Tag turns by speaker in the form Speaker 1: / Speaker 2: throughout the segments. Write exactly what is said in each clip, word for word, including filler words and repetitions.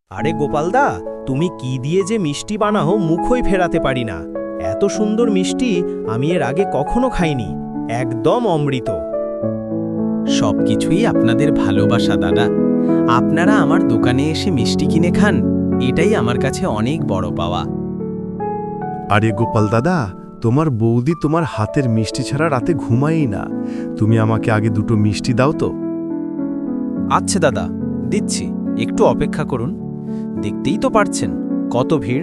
Speaker 1: আরে গোপালদা, তুমি কি দিয়ে যে মিষ্টি বানাও মুখই ফেরাতে পারি না। এত সুন্দর মিষ্টি আমি এর আগে কখনো খাইনি, একদম অমৃত।
Speaker 2: সবকিছুই আপনাদের ভালোবাসা দাদা। আপনারা আমার দোকানে এসে মিষ্টি কিনে খান, এটাই আমার কাছে অনেক বড় পাওয়া।
Speaker 3: আরে গোপাল দাদা, তোমার বৌদি তোমার হাতের মিষ্টি ছাড়া রাতে ঘুমায়ই না। তুমি আমাকে আগে দুটো মিষ্টি দাও তো।
Speaker 2: আচ্ছা দাদা, দিচ্ছি, একটু অপেক্ষা করুন। দেখতেই তো পারছেন কত ভিড়।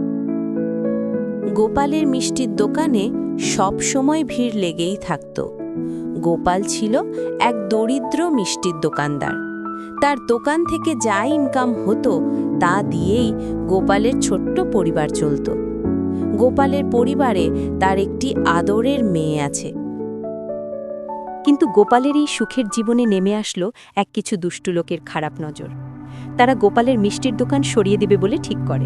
Speaker 4: গোপালের মিষ্টির দোকানে সব সময় ভিড় লেগেই থাকত। গোপাল ছিল এক দরিদ্র মিষ্টির দোকানদার। তার দোকান থেকে যা ইনকাম হতো তা দিয়েই গোপালের ছোট্ট পরিবার চলত। গোপালের পরিবারে তার একটি আদরের মেয়ে আছে। কিন্তু গোপালের এই সুখের জীবনে নেমে আসলো এক কিছু দুষ্টু লোকের খারাপ নজর। তারা গোপালের মিষ্টির দোকান সরিয়ে দেবে বলে ঠিক করে।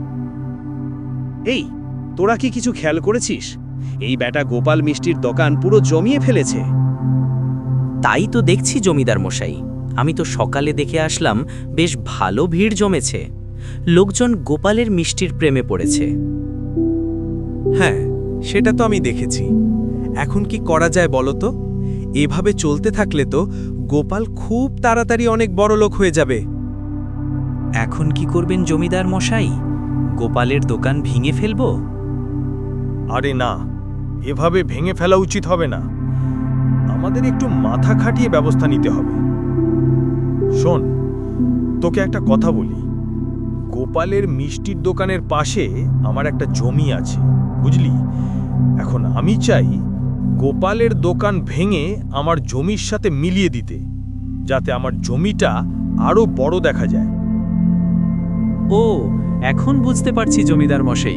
Speaker 1: এই, তোরা কি কিছু খেয়াল করেছিস? এই ব্যাটা গোপাল মিষ্টির দোকান পুরো জমিয়ে ফেলেছে।
Speaker 5: তাই তো দেখছি জমিদার মশাই, আমি তো সকালে দেখে আসলাম বেশ ভালো ভিড় জমেছে। লোকজন গোপালের মিষ্টির প্রেমে পড়েছে।
Speaker 2: হ্যাঁ, সেটা তো আমি দেখেছি। এখন কি করা যায় বলো তো? এভাবে চলতে থাকলে তো গোপাল খুব তাড়াতাড়ি অনেক বড় লোক হয়ে যাবে।
Speaker 5: এখন কি করবেন জমিদার মশাই? গোপালের দোকান ভেঙে ফেলব?
Speaker 6: আরে না, এভাবে ভেঙে ফেলা উচিত হবে না। আমাদের একটু মাথা খাটিয়ে ব্যবস্থা নিতে হবে। শোন, তোকে একটা কথা বলি। গোপালের মিষ্টির দোকানের পাশে আমার একটা জমি আছে, বুঝলি? এখন আমি চাই গোপালের দোকান ভেঙে আমার জমির সাথে মিলিয়ে দিতে, যাতে আমার জমিটা আরো বড় দেখা যায়।
Speaker 5: ও, এখন বুঝতে পারছি জমিদার মশাই।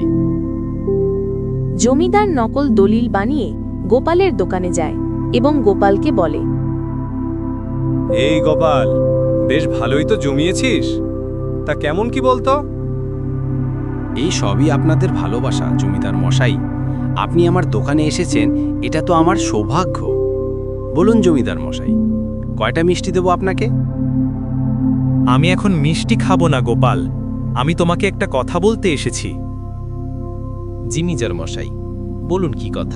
Speaker 4: জমিদার নকল দলিল বানিয়ে গোপালের দোকানে যায় এবং গোপালকে বলে,
Speaker 6: এই গোপাল, বেশ ভালোই তো জমিয়েছিস। তা কেমন কি বলতো?
Speaker 2: এই সবই আপনাদের ভালোবাসা জমিদার মশাই। আপনি আমার দোকানে এসেছেন, এটা তো আমার সৌভাগ্য। বলুন জমিদার মশাই, কয়টা মিষ্টি দেবো আপনাকে?
Speaker 1: আমি এখন মিষ্টি খাবো না গোপাল, আমি তোমাকে একটা কথা বলতে এসেছি।
Speaker 2: জিমিজার মশাই, বলুন কি কথা?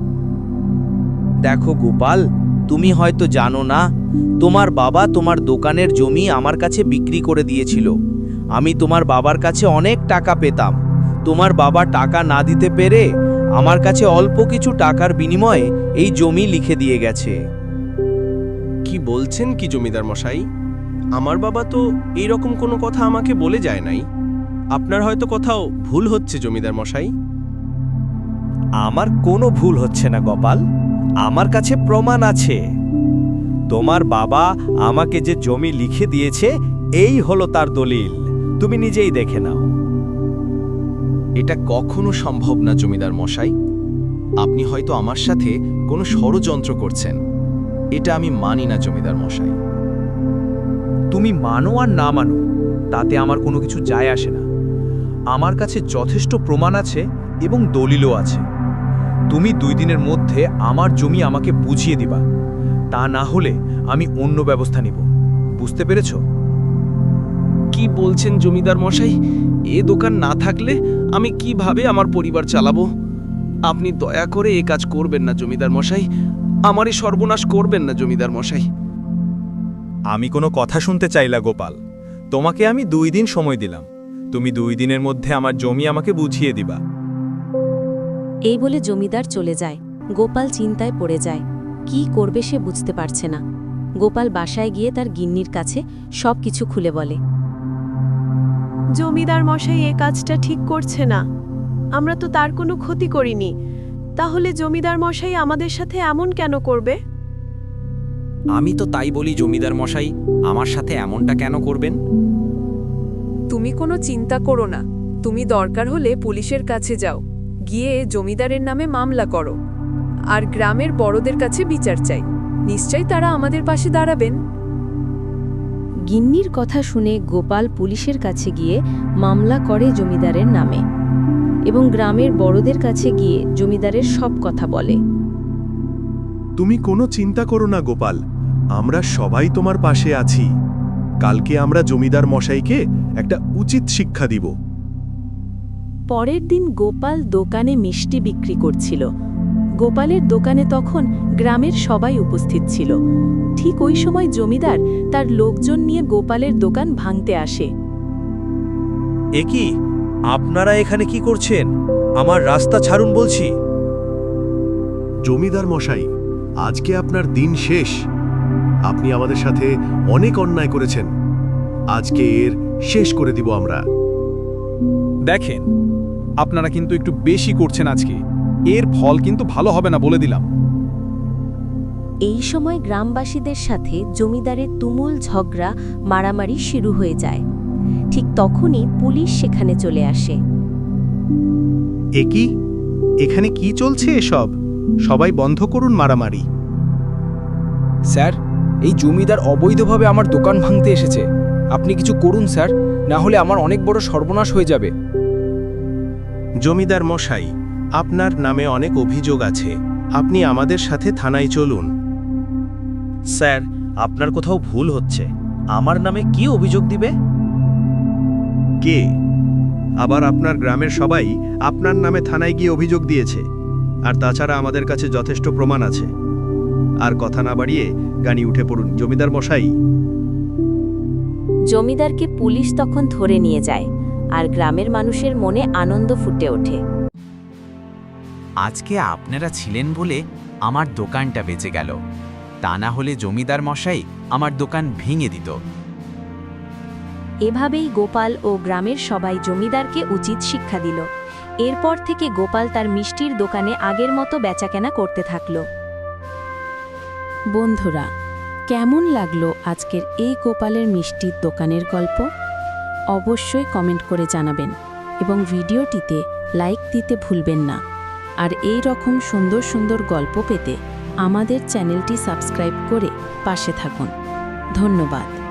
Speaker 5: দেখো গোপাল, তুমি হয়তো জানো না, তোমার বাবা তোমার দোকানের জমি আমার কাছে বিক্রি করে দিয়েছিল। আমি তোমার বাবার কাছে অনেক টাকা পেতাম। তোমার বাবা টাকা না দিতে পেরে আমার কাছে অল্প কিছু টাকার বিনিময়ে এই জমি লিখে দিয়ে গেছে।
Speaker 2: কি বলছেন কি জমিদার মশাই? আমার বাবা তো এই রকম কোনো কথা আমাকে বলে যায় নাই। আপনার হয়তো কোথাও ভুল হচ্ছে জমিদার মশাই।
Speaker 1: আমার কোনো ভুল হচ্ছে না গোপাল, আমার কাছে প্রমাণ আছে। তোমার বাবা আমাকে যে জমি লিখে দিয়েছে, এই হলো তার দলিল। তুমি নিজেই দেখে নাও।
Speaker 2: এটা কখনো সম্ভব না জমিদার মশাই। আপনি হয়তো আমার সাথে কোনো ষড়যন্ত্র করছেন। এটা আমি মানি না জমিদার মশাই।
Speaker 7: তুমি মানো আর না মানো, তাতে আমার কোনো কিছু যায় আসে না। আমার কাছে যথেষ্ট প্রমাণ আছে এবং দলিলও আছে। তুমি দুই দিনের মধ্যে আমার জমি আমাকে বুঝিয়ে দিবা, তা না হলে আমি অন্য ব্যবস্থা নিব। বুঝতে পেরেছ?
Speaker 2: কি বলছেন জমিদার মশাই? এ দোকান না থাকলে আমি কিভাবে আমার পরিবার চালাবো? আপনি দয়া করে এ কাজ করবেন না জমিদার মশাই। আমারই সর্বনাশ করবেন না জমিদার মশাই।
Speaker 6: আমি কোনো কথা শুনতে চাইলা গোপাল। তোমাকে আমি দুই দিন সময় দিলাম। তুমি দুই দিনের মধ্যে আমার জমি আমাকে বুঝিয়ে দিবা।
Speaker 4: এই বলে জমিদার চলে যায়। গোপাল চিন্তায় পড়ে যায়, কি করবে সে বুঝতে পারছে না। গোপাল বাসায় গিয়ে তার গিন্নির কাছে সব কিছু খুলে বলে।
Speaker 8: জমিদার মশাই এ কাজটা ঠিক করছে না। আমরা তো তার কোনো ক্ষতি করিনি, তাহলে জমিদার মশাই আমাদের সাথে এমন কেন করবে?
Speaker 5: আমি তো তাই বলি জমিদার মশাই, আমার সাথে এমনটা কেন করবেন?
Speaker 9: তুমি কোনো চিন্তা করো না। তুমি দরকার হলে পুলিশের কাছে যাও, গিয়ে জমিদারের নামে মামলা করো, আর গ্রামের বড়দের কাছে বিচার চাই। নিশ্চয়ই তারা আমাদের পাশে দাঁড়াবেন।
Speaker 4: গিন্নির কথা শুনে গোপাল পুলিশের কাছে গিয়ে মামলা করে জমিদারের নামে এবং গ্রামের বড়দের কাছে গিয়ে জমিদারের সব কথা বলে।
Speaker 3: তুমি কোনো চিন্তা করো না গোপাল, আমরা সবাই তোমার পাশে আছি। কালকে আমরা জমিদার মশাইকে একটা উচিত শিক্ষা দিব।
Speaker 4: পরের দিন গোপাল দোকানে মিষ্টি বিক্রি করছিল। গোপালের দোকানে তখন গ্রামের সবাই উপস্থিত ছিল। ঠিক ওই সময় জমিদার তার লোকজন নিয়ে গোপালের দোকান ভাঙতে আসে।
Speaker 1: এ কি, আপনারা এখানে কি করছেন? আমার রাস্তা ছাড়ুন বলছি।
Speaker 3: জমিদার মশাই, আজকে আপনার দিন শেষ। আপনি আমাদের সাথে অনেক অন্যায় করেছেন। আজকে এর শেষ করে দিব আমরা।
Speaker 7: দেখেন, আপনারা কিন্তু একটু বেশি করছেন আজকে। এর ফল কিন্তু ভালো হবে না বলে দিলাম।
Speaker 4: এই সময় গ্রামবাসীদের সাথে জমিদারের তুমুল ঝগড়া মারামারি শুরু হয়ে যায়। ঠিক তখনই পুলিশ সেখানে চলে আসে।
Speaker 10: এ কি, এখানে কি চলছে এসব? সবাই বন্ধ করুন মারামারি।
Speaker 2: স্যার, এই জমিদার অবৈধভাবে আমার দোকান ভাঙতে এসেছে। আপনি কিছু করুন স্যার, না হলে আমার অনেক বড় সর্বনাশ হয়ে যাবে।
Speaker 10: জমিদার মশাই, আপনার নামে অনেক অভিযোগ আছে। আপনি আমাদের সাথে থানায় চলুন।
Speaker 1: স্যার, আপনার কোথাও ভুল হচ্ছে। আমার নামে কি অভিযোগ দিবে?
Speaker 6: কে? আবার আপনার গ্রামের সবাই আপনার নামে থানায় গিয়ে অভিযোগ দিয়েছে। আর তাছাড়া আমাদের কাছে যথেষ্ট প্রমাণ আছে। আর কথা না বাড়িয়ে গাড়ি উঠে পড়ুন জমিদার মশাই।
Speaker 4: জমিদারকে পুলিশ তখন ধরে নিয়ে যায়, আর গ্রামের মানুষের মনে আনন্দ ফুটে ওঠে।
Speaker 11: আজকে আপনারা ছিলেন বলে আমার দোকানটা বেঁচে গেল, তা না হলে জমিদার মশাই আমার দোকান ভেঙে দিত।
Speaker 4: এভাবেই গোপাল ও গ্রামের সবাই জমিদারকে উচিত শিক্ষা দিল। এরপর থেকে গোপাল তার মিষ্টির দোকানে আগের মতো বেচাকেনা করতে থাকল। বন্ধুরা, কেমন লাগলো আজকের এই গোপালের মিষ্টির দোকানের গল্প? অবশ্যই কমেন্ট করে জানাবেন এবং ভিডিওটিতে লাইক দিতে ভুলবেন না। আর এই রকম সুন্দর সুন্দর গল্প পেতে আমাদের চ্যানেলটি সাবস্ক্রাইব করে পাশে থাকুন। ধন্যবাদ।